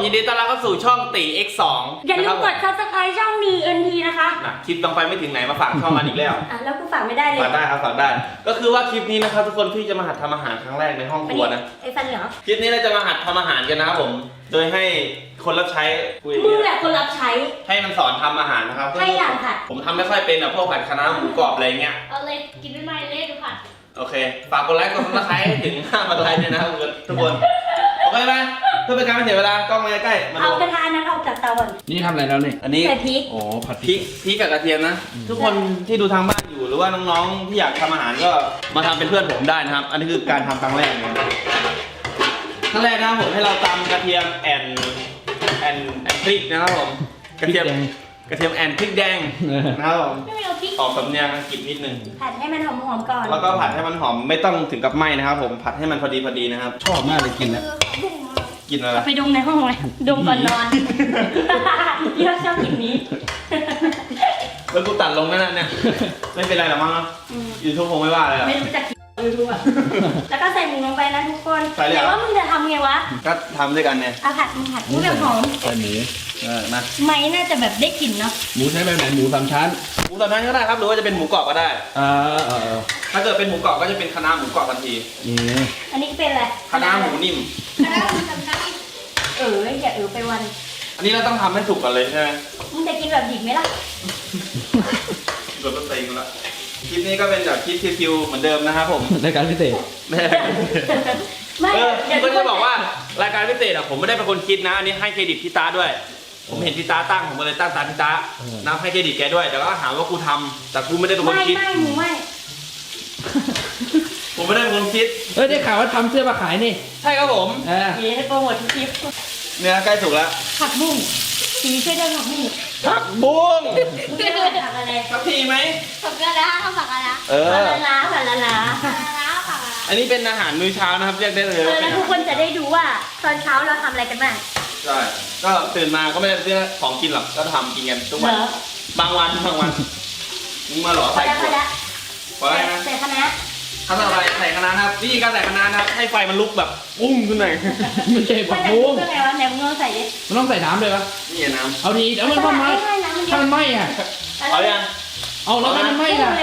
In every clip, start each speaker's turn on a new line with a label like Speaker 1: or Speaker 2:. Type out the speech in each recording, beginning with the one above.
Speaker 1: ยินดีต้อนรับเข้าสู่ช่องตี X2
Speaker 2: อย่าลืมกด subscribe ช่อง DNT นะคะ
Speaker 1: คลิปต้องไปไม่ถึงไหนมาฝากช่องมันอีกแล้ว
Speaker 2: แล้วกูฝากไม่ได้เลย
Speaker 1: ฝากได้ครับฝากได้ก็คือว่าคลิปนี้นะครับทุกคนพี่จะมาหัดทำอาหารครั้งแรกในห้องครัวนะ
Speaker 2: ไอ้ฟันเหรอ
Speaker 1: คลิปนี้เราจะมาหัดทำอาหารกันนะครับผมโดยให้คนรับใช้คุย
Speaker 2: มึงแหละคนรับใช้
Speaker 1: ให้มันสอนทำอาหารนะครับ
Speaker 2: ให้อย่างผัด
Speaker 1: ผมทำไม่ค่อยเป็นพวกผัดคะน้าหมูกรอบอะไรเงี้ย
Speaker 3: เอาเลยกินไม่ไหมเล่ดูผัด
Speaker 1: โอเคฝากกดไลค์กดซับสไครต์ให้ถึง5,000 ไลค์ด้วยนะครับทุกคนโอเคไหมเพื่อเป็นการไม่เสียเวลากล้องมาใกล้ๆมา
Speaker 2: เอา
Speaker 1: ดู
Speaker 2: กระทะนั้นออกจากเตาก่อน
Speaker 4: นี่ทำอะไรแล้วเนี่ย
Speaker 1: อันนี้
Speaker 2: ใส่พริก
Speaker 4: อ๋อผัด
Speaker 1: พริกกับกระเทียมนะ ทุกคนที่ดูทางบ้านอยู่หรือว่าน้องๆที่อยากทำอาหารก็มาทำเป็นเพื่อนผมได้นะครับ อันนี้คือการทำครั้งแรกเลยครั้งแรกนะครับผมให้เราตำกระเทียมแอนพริกนะครับผมกระเทียมแอนพริกแดงนะครับผม
Speaker 2: ไม่เอาพริก
Speaker 1: ออกสำเนียงอังกฤษนิดนึง
Speaker 2: ผัดให้มันหอมๆก่อน
Speaker 1: แล้วก็ผัดให้มันหอมไม่ต้องถึงกับไหม้นะครับผมผัดให้มันพอดีนะครับ
Speaker 4: ชอบมากเลยกินแล้ว
Speaker 1: กินอะไร
Speaker 2: เอาไปดมในห้องเลยดมก่อนนอนเยอะชอบกลิ่นนี้
Speaker 1: แล้วกูตัดลงนั่นเนี่ยไม่เป็นไรหรอกมั้งเนาะยูทูบคงไม่ว่าเลยหรอก
Speaker 2: ไม่รู้จักยูทูบอ่ะแล้วก็ใส่หมูลงไปนะทุกคน
Speaker 1: ใส่เลยเหรอ
Speaker 2: แต่ว่ามึงจะทำไงวะ
Speaker 1: ก็ทำด้วยกันเนี่ย
Speaker 2: เอาผัดมึงผัดมึงแบบหอม
Speaker 4: ใส่หมู
Speaker 1: นะ
Speaker 2: ไม่น่าจะแบบได้กลิ่นเนาะ
Speaker 4: หมูใช้แบบไหนหมูสามชั้น
Speaker 1: หมูสามชั้นก็ได้ครับหรือว่าจะเป็นหมูกรอบก็ได้
Speaker 4: เออ
Speaker 1: ถ้าเกิดเป็นหมูกรอบก็จะเป็นคะน้าหมูกรอบทันที
Speaker 4: นี่
Speaker 2: อันนี้เป็นอะไร
Speaker 1: คะน้าหมูนิ่ม
Speaker 3: แล้วคุณทำได้
Speaker 2: อย่าไปวัน
Speaker 1: อันนี้เราต้องทำให้สุกก่อนเลยใช่ไหม
Speaker 2: มึงจะกินแบบดิบไหมล่ะ
Speaker 1: โดนต้นตีกันละคลิปนี้ก็เป็นแบบคลิปคิวๆเหมือนเดิมนะครับผม
Speaker 4: รายการพิเศษ
Speaker 1: ไม่
Speaker 2: ไม่
Speaker 1: ผมก็จะบอกว่ารายการพิเศษผมไม่ได้เป็นคนคิดนะ อันนี้ให้เครดิตพี่ตาด้วย ผมเห็นพี่ตาตั้งผมก็เลยตั้งตามพี่ตานับให้เครดิตแกด้วยแต่ก็หาว่ากูทำแต่กูไม่ได้เป็นคนคิด
Speaker 2: ไม่หมูไม่
Speaker 1: ผมไม่ได้เป็นคนคิด
Speaker 4: ได้ข่าวว่าทำเสื้อมาขายนี่
Speaker 1: ใช่ครับผม
Speaker 4: เออ
Speaker 2: เดี๋ยวให้โปรโมททุกคลิป
Speaker 1: เนื้อใกล้สุกแล้ว
Speaker 2: ผักบุ้งสีช่วยได้ผักบุ้ง
Speaker 1: ผักบุ้ง
Speaker 2: มึงจะผักอะไร
Speaker 1: สักทีไหม
Speaker 3: ผักกระดาษผักกระดาษ
Speaker 1: เออ
Speaker 2: ผักละล้าผักละล้า
Speaker 3: ผักกระดาษผักกระดาษ
Speaker 1: อันนี้เป็นอาหารมื้อเช้านะครับเรียกได้เลยว่า
Speaker 2: แล้วทุกคนจะได้ดูว่าตอนเช้าเราทำอะไรกันบ้าง
Speaker 1: ใช่ก็ตื่นมาก็ไม่ได้ซื้อของกินหรอกก็ทำกินกันทุกวัน
Speaker 2: เหรอ
Speaker 1: บางวันมึงมาหรอ
Speaker 2: พอ
Speaker 1: ใส่
Speaker 2: แล้วพอแล้ว
Speaker 1: พอแล้วนะ
Speaker 2: ใส่คณะ
Speaker 1: ทำอะไรใส่คะน้าครับวิธีการใส่คะน้านะครับให้ไฟมันลุกแบบปุ้งขึ้นหน่อย
Speaker 4: ไม่ใช่ผั
Speaker 2: มัน
Speaker 4: ก
Speaker 2: จะ
Speaker 4: บุ้
Speaker 2: รู้
Speaker 4: ง
Speaker 2: ได้ไงวะไหนมึงลองใส่ดิ
Speaker 4: มันต้องใส่น้ำเลยปะ
Speaker 1: นี่น้
Speaker 4: เอาดีเดี๋ยวมันทำไมถ้ามันไหม้อ่ะ
Speaker 1: ำเอายัง
Speaker 4: เอาแล้วถ้ามันไหม้ล่ะ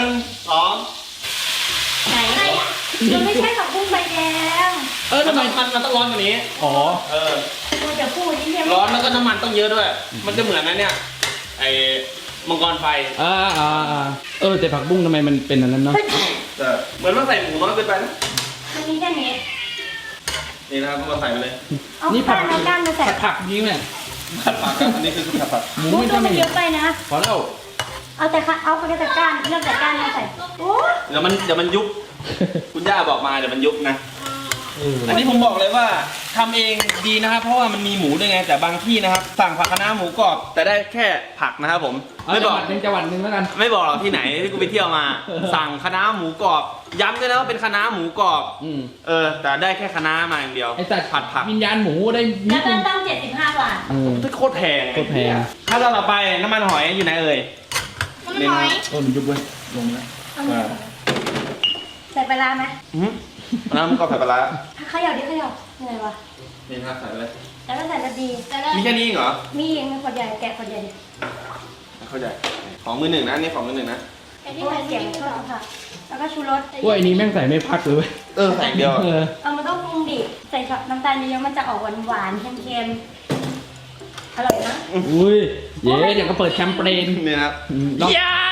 Speaker 1: 1 2
Speaker 2: ไหนมันไม่ใช่ผักบุ้งใบแดง
Speaker 4: ทำไม
Speaker 1: มันต้องร้อนกว่านี้
Speaker 4: อ๋อ
Speaker 1: เออ
Speaker 2: กูจะพูดที่เรียก
Speaker 1: ร้อนแล้วก็น้ำมันต้องเยอะด้วย มันจะเหมือนนั้นเนี่ยไอ้มังกรไฟ
Speaker 4: แต่ผักบุ้งทำไมมันเป็นอันนั้นเนาะ
Speaker 1: เหมือนว่าใส่หมูน้อยเกินไปนะ
Speaker 2: มันมีแค่นี้
Speaker 1: นี่นะครับก็มาใส่ไปเลย
Speaker 2: เอาก้านเอาก้านมาใส่
Speaker 4: ผักจริงเนี่ย
Speaker 1: ผัดผักครับอันนี้คือผัดผัก
Speaker 4: หมู
Speaker 2: กู
Speaker 4: ไม่
Speaker 2: ตัว
Speaker 4: ทำ
Speaker 2: มัน
Speaker 4: ไม
Speaker 2: เยอะไปนะ
Speaker 4: พอแล้ว
Speaker 2: เอาแต่ก้านเลือกแต่ก้านมาใส่โอ้
Speaker 1: เดี๋ยวมันยุบคุณย่าบอกมาเดี๋ยวมันยุบนะ อันนี้ผมบอกเลยว่าทำเองดีนะครับ เพราะว่ามันมีหมูด้วยไงแต่บางที่นะครับสั่งผักคะน้าหมูกรอบแต่ได้แค่ผักนะครับผม
Speaker 4: เอา
Speaker 1: ไม่
Speaker 4: จั
Speaker 1: บ
Speaker 4: ง
Speaker 1: อ
Speaker 4: ห
Speaker 1: ก
Speaker 4: วัดหนึ่งจังหวัดหนึ่งแล้วกัน
Speaker 1: ไม่บอกหรอกที่ไหนที่กูไปเที่ยวมา สั่งคะน้าหมูกรอบย้ำด้วยนะว่าเป็นคะน้าหมูกรอบแต่ได้แค่คะน้ามาอย่างเดียว
Speaker 4: ไอ้สัตว์
Speaker 1: ผัดผัก
Speaker 4: วิญญาณหมูได้นิ
Speaker 2: แล้
Speaker 4: ด
Speaker 2: วก็
Speaker 4: นึง
Speaker 2: ต้อง75 บาท
Speaker 1: โคตรแพง
Speaker 4: โคตรแพง
Speaker 1: ถ้าเราต่อไปน้ำมันหอยอยู่ไหนเอ่ย
Speaker 3: น้ำมันหอย
Speaker 4: มันยุบเว้ยลงแล้ว
Speaker 2: ใส่ปลาร้าไหม
Speaker 1: น้ำมันกรอบใส่ปลาร้า
Speaker 2: เขย่าดิเขย่าอะไรวะ
Speaker 1: นี่นะครับใส่ไปเลย
Speaker 2: แล้วก็ใส่กระดี
Speaker 3: แต่ละ
Speaker 1: มีแค่นี้เองเหรอ
Speaker 2: มีเองขวดใหญ่แกะขวดใหญ่ดิ
Speaker 1: เข้าใจของมือหนึ่งนะอันนี่ของมือหนึ่งนะ
Speaker 3: ไอ้
Speaker 2: เพ
Speaker 3: ที่
Speaker 2: ราะ
Speaker 3: มั
Speaker 2: ว่าน เสียงชอบค่ะแล้วก็ชูรส
Speaker 4: ว่าไอ้นี้แม่งใส่ไม่พักเลยเว้ย
Speaker 1: ใส่เดียว
Speaker 2: มันต้องปรุงดิใส่น้ำตาลเยอะๆมันจะออกหวานๆเค็มๆอร่อยนะ
Speaker 4: อุ้ยเย้เดี๋ยวก็เปิดแชมเปญ
Speaker 1: นี่นะครับ
Speaker 4: ลอง
Speaker 1: ย่า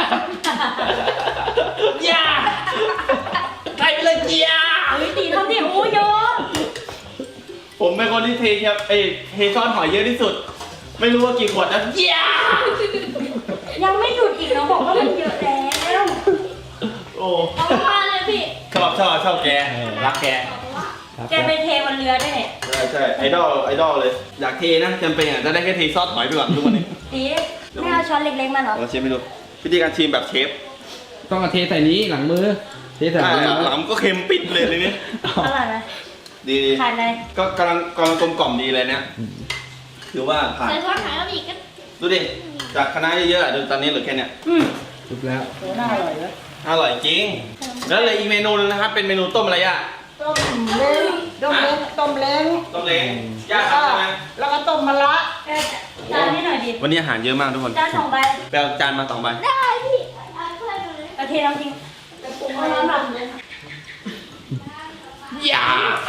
Speaker 1: ย่าใส่ไปเลยย่า
Speaker 2: เฮ้ยตีเท่าที่โอ้เยอะ
Speaker 1: ผมเป็นคนที่เทช้อนหอยเยอะที่สุด ไม่รู้ว่ากี่ขวดนะย่า
Speaker 2: ยังไม่หยุดอีกนะบอกว่ามันเยอะแล้ว
Speaker 1: โอ้
Speaker 3: เอามาเลยพี่
Speaker 1: ชอบแกรักแก
Speaker 4: ครับ
Speaker 2: แกไปเทบนเรือด้วยเนี่ย
Speaker 1: ใช่ไอดอลเลย อยากเทนะจำเป็นอ่ะจะได้แค่เทซอสหอยไปก่อนทุกวันนี้
Speaker 2: ตีไม่เอาช้อนเล็กๆมาเหรอ
Speaker 1: เราเชฟไม่รู้วิธีการชิมแบบเชฟ
Speaker 4: ต้องเอาเทใส่นี้หลังมือ เทใส่หลังมือ
Speaker 1: หลังก็เค็มปิดเลยนี่
Speaker 2: อร่อยไหม
Speaker 1: ดี
Speaker 2: ทานเลย
Speaker 1: ก็กำลังกลมกล่อมดีเลยเนี่ยถือว่าผ่าน
Speaker 3: ใส่ซอสหอยแล้วอีกก็
Speaker 1: ดูดิจากคณะเยอะๆดูตอนนี้เหลือแค่เนี้ย
Speaker 4: จบแล้ว
Speaker 2: น่าอร่อยเลย
Speaker 1: อร่อยจริงแล้วเลยอีกเมนูนึงนะครับเป็นเมนูต้มอะไรอ่ะ
Speaker 3: ต
Speaker 5: ต้มเล้งต้มเล้งต้มเล้ง
Speaker 1: ต้มเล้งย่าทำใช่ไหม
Speaker 5: แล้วก็ต้มมะระ
Speaker 2: จานนี้หน่อยดิ
Speaker 1: วันนี้อาหารเยอะมากทุกคน
Speaker 2: จาน2 ใบ
Speaker 1: ไปเอาจานมา2 ใบ
Speaker 3: ได้พี่เอาถ้วยมาเลย
Speaker 2: กระเทียมจริง
Speaker 5: จะปรุง
Speaker 2: เอา
Speaker 5: ให้
Speaker 2: น้ำแบบ
Speaker 1: อย่า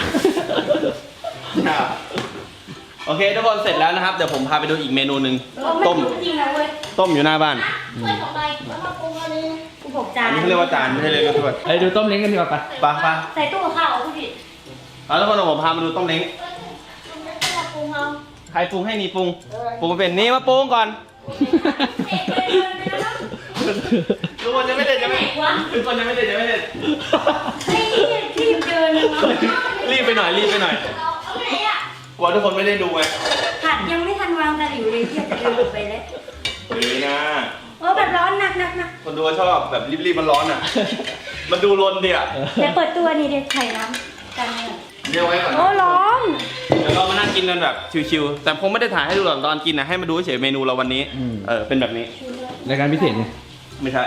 Speaker 1: โอเคทุกคนเสร็จแล้วนะครับ เดี๋ยวผมพาไปดูอีกเมนูหนึ่ง
Speaker 2: ต้ม
Speaker 1: ต้ม
Speaker 2: จริงนะเว้ย
Speaker 1: ต้มอยู่หน้าบ้าน
Speaker 3: ถ้วย2 ใบ
Speaker 5: แล้วมาปรุงอันนี้
Speaker 2: กูบอกจา
Speaker 1: อั
Speaker 2: น
Speaker 1: นนี้เขาเรียกว่าจานไม่ใช่เลยก็ถ้วย
Speaker 4: เอ้ยดูต้มเล้งกันดีกว่าปะ
Speaker 1: ไปไป
Speaker 2: ใส่ตู้กับข้าวผู้ผิด
Speaker 1: เอาทุกคนเดี๋ยวผมพามาดูต้มเล้ง
Speaker 5: ต้มเล้งก็มาปรุงเอา
Speaker 1: ใครปรุงให้นี่ปรุงปรุงมาเป็นนี่มาปรุงก่อนทุกคนยังไม่เด็ดยังไม่ทุกคนยังไม่เด็ดยังไม่เด็ด
Speaker 2: รีบเดินเลยเนาะ
Speaker 1: รีบไปหน่อยรีบไปหน่อย
Speaker 3: เอาไหนอ่ะ
Speaker 1: กลัวทุกคนไม่ได้ดูไง
Speaker 2: ผัดยังไม่ทันวางตะหลิวเลยที่จะเดินออกไปแล้ว
Speaker 1: นี่นะ
Speaker 2: แบบร้อนหนัก
Speaker 1: คนดูชอบแบบรีบๆมันร้อนอ่ะ มันดูรนดิอ่ะ
Speaker 2: เดี๋ยวเปิดตัวนี่เดี๋ยวไข่น้ำกันเนี่ย
Speaker 1: เรียกไว้ก่อน
Speaker 2: โอ้ร้อน
Speaker 1: เดี๋ยวเรามานั่งกินกันแบบชิวๆแต่ผมไม่ได้ถ่ายให้ดูหรอกตอนกินนะให้มาดูเฉยเมนูเราวันนี้เป็นแบบนี้
Speaker 4: รายการพิเศษไง
Speaker 1: ไม่ใช่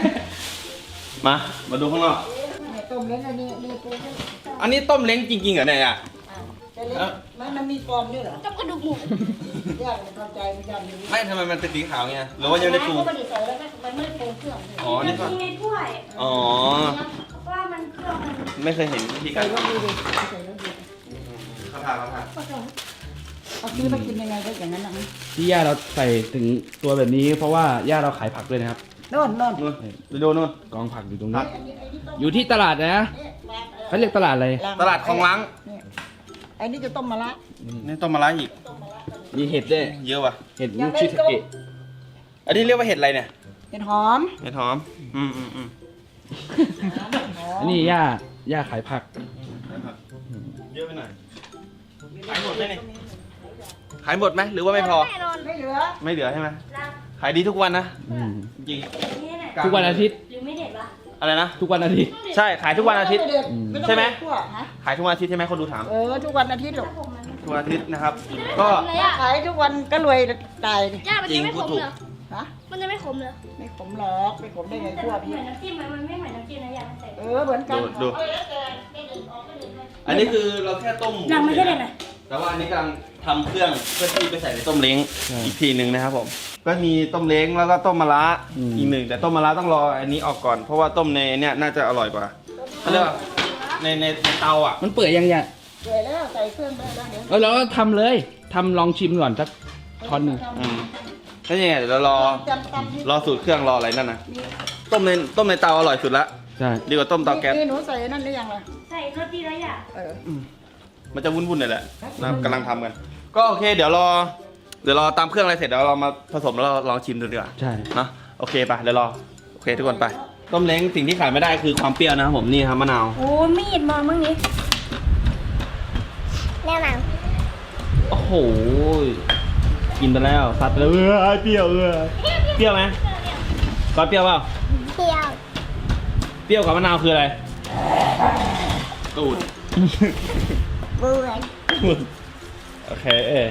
Speaker 1: มาดูข้างนอก
Speaker 5: เนี่ยต้มเล้งอันนี้นี่ปรุงให้
Speaker 1: อันนี้ต้มเล้งจริงๆเหรอเนี่ยอ่ะ
Speaker 5: จะเล้งมันมีฟองด้วยเหรอ
Speaker 3: กับกระดูกหมู
Speaker 5: ย่างเข้าใจไม่ย่างนี้
Speaker 1: ไม่ทำไมมันเป็นสีขาวเงี้ยหรือว่ายังไม่ได้ปรุง
Speaker 5: ก็ไม่ได้ใส่แล้วมันไม่ได้ปรุงเครื่อง
Speaker 1: อ๋อนี่ก่อน
Speaker 2: มีในถ้วย
Speaker 1: อ๋อ
Speaker 2: ว่ามันเครื่องมัน
Speaker 1: ไม่เคยเห็นวิธีกา
Speaker 5: ใส่
Speaker 1: ร
Speaker 5: แล้วดีดิใส่แล้วดี
Speaker 1: เขาทาน
Speaker 5: เอาซื้อมากินยังไงก็อย่างนั้นนะ
Speaker 4: ที่ย่าเราใส่ถึงตัวแบบนี้เพราะว่าย่าเราขายผักด้วยนะครับ
Speaker 5: โน่น
Speaker 1: นู่นไปดูนู่น
Speaker 4: กองผักอยู่ตรง
Speaker 1: ครั
Speaker 4: นี้
Speaker 1: บ
Speaker 4: อยู่ที่ตลาดนะเขาเรียกตลาดอะไร
Speaker 1: ตลาดคลองล้าง
Speaker 5: เนี่ยไอ้นี่จะต้มมะระ
Speaker 1: นี่ต้มมะระอีก
Speaker 4: มีเห็ดด้วย
Speaker 1: เยอะว่ะ
Speaker 4: เห็ดลูกชิทาเกะ
Speaker 1: อันนี้เรียกว่าเห็ดอะไรเนี่ย
Speaker 5: เห็ดหอม
Speaker 1: เห็ดหอมอืม
Speaker 4: อันนี้ย่าขายผัก
Speaker 1: เยอะไปหน่อยขายหมดไหมเนี่ยขายหมดไหมหรือว่าไม่พอ
Speaker 3: แน่นอน
Speaker 5: ไม่เหลือ
Speaker 1: ไม่เหลือใช่ไหมขายดีทุกวันนะ
Speaker 4: อืม
Speaker 1: จริง
Speaker 2: นี่แหละ
Speaker 4: ทุกวันอาทิตย์
Speaker 2: หรือไม่เด็ดวะ
Speaker 1: อะไรนะ
Speaker 4: ทุกวันอาทิตย์
Speaker 1: ใช่ขายทุกวันอาทิตย์
Speaker 5: ไม่เด็ด
Speaker 1: ใช่ไหม
Speaker 5: ต้องปคั่วฮะ
Speaker 1: ขายทุกวันอาทิตย์ใช่ไหมคนดูถาม
Speaker 5: ทุกวันอาทิตย์หรอก
Speaker 2: ผมมัน
Speaker 1: ทุกวันอาทิตย์นะครับ ก็
Speaker 3: เลยอ่ะ
Speaker 5: ขายทุกวันก็รวยตายดิ
Speaker 3: ย่ามันจะไม่ขมเหรอ
Speaker 5: ฮะ
Speaker 3: มันจะไม่ขมเหรอ
Speaker 5: ไม่ขมหรอกไม่ขมได้ไง
Speaker 2: แต่
Speaker 5: คั่ว
Speaker 2: เห
Speaker 5: พี่
Speaker 2: มือนน้ำจิ้มมันไม่เหมือนน้ำจิ้มนะอยากใส่
Speaker 5: เหมือนกัน
Speaker 1: ดูอันนี้คือเราแค่ต้มหมู
Speaker 2: ยังไม่ใช่เลยนะ
Speaker 1: แต่ว่าอันนี้กำลังทำเครื่องเพื่อที่ไปใส่ในต้มเล้งอีกทีหนึ่งนะครับผม ก็มีต้มเล้งแล้วก็ต้มมะระอีกหนึ่งแต่ต้มมะระต้องรออันนี้ออกก่อนเพราะว่าต้มในเนี่ยน่าจะอร่อยกว่าเขาเรียกว่าในเตาอ่ะ
Speaker 4: มันเปื่อยยังย่า
Speaker 5: เดือยแล้วใส่เครื่องได้แล้วเดี๋ยว
Speaker 4: เราก็ทำเลยทำลองชิมก่อนสักช้อนหนึ่ง
Speaker 1: แล้วยังไงเดี๋ยวเรารอ
Speaker 5: จำตำที่
Speaker 1: รอสูตรเครื่องรออะไรนั่นนะต้มในเตาอร่อยสุดละ
Speaker 4: ใช่
Speaker 1: ดีกว่าต้มเตาแก๊ส
Speaker 5: นี่หนูใส่นั่นได้ยังล่ะ
Speaker 2: ใส่รสดีแล้วอย่า
Speaker 1: มันจะวุ่นๆหน่อยแหละนะครับกำลังทำกัน ก็โอเคเดี๋ยวรอตามเครื่องอะไรเสร็จเดี๋ยวเรามาผสมแล้วเราลองชิมดูดีกว่า
Speaker 4: ใช่
Speaker 1: เนาะโอเคไปเดี๋ยวรอโอเคทุกคนไปต้มเล้งสิ่งที่ขาดไม่ได้คือความเปรี้ยวนะครับผมนี่ครับมะนาว
Speaker 2: โอ้มีดมามั่งนี้
Speaker 3: แน่นอน
Speaker 1: โอ้โหกินไปแล้วซัดไปแล้วเปรี้ยวเปรี้ยวไหมก้อนเปรี้ยวเปล่า
Speaker 3: เที่ยว
Speaker 1: เปรี้ยวกับมะนาวคืออะไรตูด
Speaker 3: เบื่อ
Speaker 1: โอเค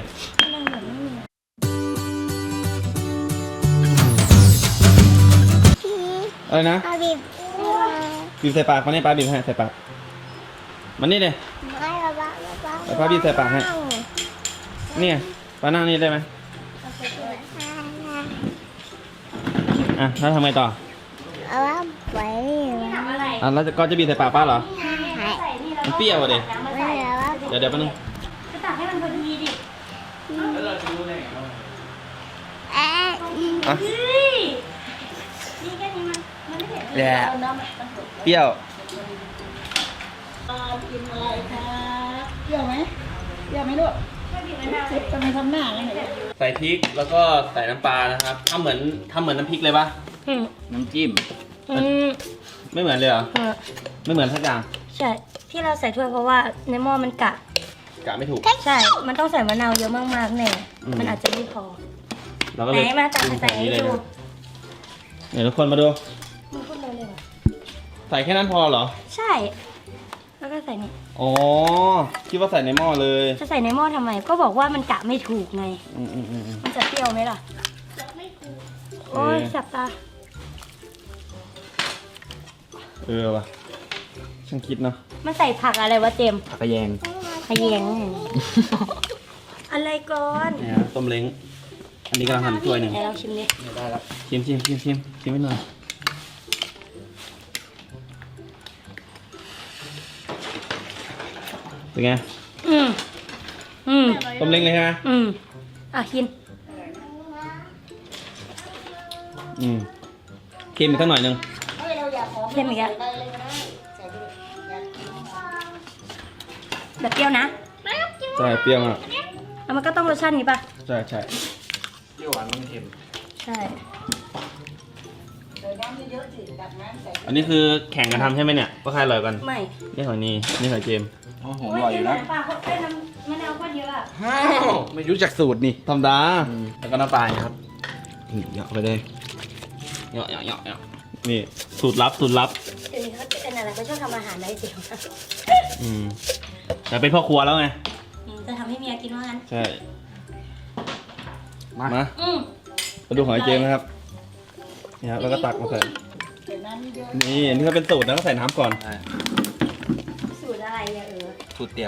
Speaker 1: อะไรนะ
Speaker 3: อาบิบ
Speaker 1: บีบใส่ปากมาเนี่ยป้าบีบให้ใส่ปากมันนี่เลย
Speaker 3: ไม่ละบ้า
Speaker 1: แล้วป้าบีบใส่ปากให้เนี่ยป้านั่งนี่ได้ไหมอ่ะแล้วทำไงต่อ
Speaker 3: เอาว่าไป
Speaker 2: ทำอะไร
Speaker 1: อ่ะแล้วก็จะบีบใส่ปากป้าเหรอ
Speaker 2: ใส่นี่แล้ว
Speaker 1: มันเปรี้ยวอะดิ
Speaker 2: น้ำมา
Speaker 3: ไม่
Speaker 2: ใส่
Speaker 3: ละว่า
Speaker 1: เดี๋ยวแป๊บนึง
Speaker 2: ก็ตักให้มันพอดีดิ
Speaker 3: เอ๊ะ
Speaker 1: อ่ะ
Speaker 2: เฮ้ยนี่แค่นี้มันไม่เผ็ด
Speaker 1: แย่เปรี้ยว
Speaker 5: กินอะไรคะเปรี้ยวไหมเปรี้ยวไหมลูก
Speaker 2: ไม่ผิดไม่ได้
Speaker 5: เจ็บทำไมทำหน้าอย่างนี้
Speaker 1: ใส่พริกแล้วก็ใส่น้ำปลานะครับทำเหมือนน้ำพริกเลยปะน้ำจิ้มไม่เหมือนเลยเหรอไม่เหมือนทักอย่าง
Speaker 2: ใช่ที่เราใส่ถ้วยเพราะว่าในหม้อมันกะ
Speaker 1: กะไม่ถูก
Speaker 2: ใช่ มันต้องใส่มะนาวเยอะมากๆแน่มันอาจจะไม่พอ
Speaker 1: เราก็
Speaker 2: ไห
Speaker 1: เล
Speaker 2: น
Speaker 1: ย
Speaker 2: มาตัก
Speaker 1: ปรุง
Speaker 2: ใส่
Speaker 1: แบบ
Speaker 2: ให้
Speaker 1: นี้เลย
Speaker 2: ดู
Speaker 1: นะเดี๋ยวทุกคนมาดู
Speaker 2: มันพูดเลยเลยเหรอ
Speaker 1: ใส่แค่นั้นพอเหรอ
Speaker 2: ใช่ แล้วก็ใส่นี่
Speaker 1: อ๋อคิดว่าใส่ในหม้อเลย
Speaker 2: จะใส่ในหม้อทำไม ก็บอกว่ามันกะไม่ถูกไง
Speaker 1: อืม
Speaker 2: มันจะเปรี้ยวไหมล่ะ โอ้ยแสบตา
Speaker 1: ว่ะช่างคิดเนาะ
Speaker 2: มันใส่ผักอะไรวะเจมส์
Speaker 1: ผักกระแยง
Speaker 2: ขยงอะไรก่อน
Speaker 1: เนี่ยต้มเล้งอันนี้กำลังหั่นถ้วยหนึ่ง
Speaker 2: ไหนลองชิมดิ
Speaker 1: ได้แล้วชิมไปหน่อยเป็นไง
Speaker 2: อืมอืม
Speaker 1: ต้มเล้งเลยใช่ไหม
Speaker 2: อืมอ่ะกิน
Speaker 1: เค็มอีกสักหน่อยหนึง
Speaker 2: เค็มอีกอะแบบเปรี้ยวนะ
Speaker 1: ใช่เปรี้ยวมาก
Speaker 2: แล้วมันก็ต้องรสชาตินี้ป่ะ
Speaker 1: ใช่เปรี้ยวหวานมันเค็ม
Speaker 2: ใช่
Speaker 1: อันนี้คือแข่งกันทำใช่ไหมเนี่ยว่าใครอร่อยกัน
Speaker 2: ไม่
Speaker 1: นี่ของนี่ของเจมส์
Speaker 4: โอ้โห
Speaker 2: โอ้ยเจมส์น้ำปลาเขาได้น้ำมะนาวก็เยอะอะ
Speaker 4: ไม่รู้จักสูตรนี่
Speaker 1: ธรรมดาแล้วก็น้ำปลาครับเหยาะไปเลยเหยาะนี่สูตรลับ
Speaker 2: เดี๋ยวนี้เขาเป็นอะไรเขาชอบทำอาหารได้จริง
Speaker 1: แต่เป็นพ่อครัวแล้วไง
Speaker 2: จะทำให้เมียกินว่างั้น
Speaker 1: ใช่
Speaker 4: มา
Speaker 1: มา
Speaker 2: อืม
Speaker 1: มาดูของไอ้เจมส์นะครับนี่ครับแล้วก็ตักมาใส่นี่อันนี้ก็เป็นสูตรนะก็ใส่น้ำก่อน
Speaker 2: สูตรอะไรอะ
Speaker 4: สูตรเตี๋ยว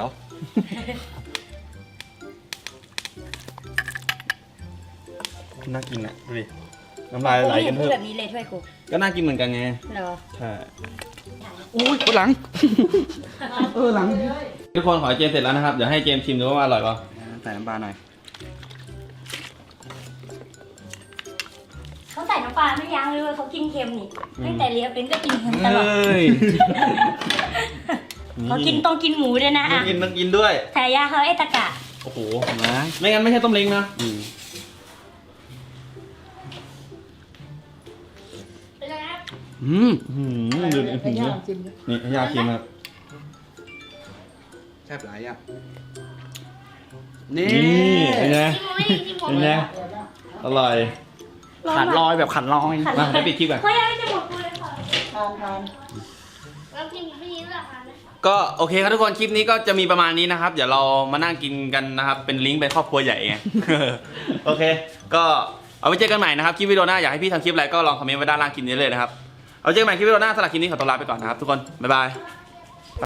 Speaker 1: น่ากินอ่ะดูดิน้ำลายไหลกัน
Speaker 2: พู
Speaker 1: เพิ่
Speaker 2: ด
Speaker 1: ม
Speaker 2: แบบนี้เลยถ้วยกู
Speaker 1: ก็น่ากินเหมือนกันไง
Speaker 2: เหรอ
Speaker 1: ใช่
Speaker 4: อุ้ยคนหลัง หลัง
Speaker 1: ทุกคนขอให้เจมส์เสร็จแล้วนะครับเดี๋ยวให้เจมส์ชิมดูว่าอร่อยเปล่าใส่น้ำปลาหน่อย
Speaker 2: เขาใส่น้ำปลาไม่ยั้งเลยเว้ยเขากินเค็มนี่ตั้งแต่เลี้ยงเป็นก็กินเค็มตลอด เขากินต้องกินหมูด้วยนะ
Speaker 1: ต้อ
Speaker 2: อ่ะ
Speaker 1: งกินด้วย
Speaker 2: ฉายาเขาไอ้ตะกะ
Speaker 1: โอ้โหไม่งั้นไม่ใช่ต้มเล้งนะ ดูดินี่ให้ยาชิมครับ
Speaker 4: แซ่บหลายอ่ะ
Speaker 1: นี่เป็นไงเป็นไงอร่อย
Speaker 4: ขัดลอยแบบขัดลอย
Speaker 1: มาให้ปิดคลิปก่อน
Speaker 2: เขายังไม่จะหมดกูเลยค่ะ
Speaker 1: ก็โอเคครับทุกคนคลิปนี้ก็จะมีประมาณนี้นะครับ เดี๋ยวเรามานั่งกินกันนะครับ เป็นลิงก์ไปครอบครัวใหญ่ไง โอเค ก็เอาไว้เจอกันใหม่นะครับคลิปวิดีโอหน้าอยากให้พี่ทำคลิปอะไรก็ลองคอมเมนต์ไว้ด้านล่างคลิปนี้เลยนะครับเอาไว้เจอกันใหม่คลิปวิดีโอหน้าสำหรับคลิปนี้ขอตัวลาไปก่อนนะครับทุกคนบ๊ายบาย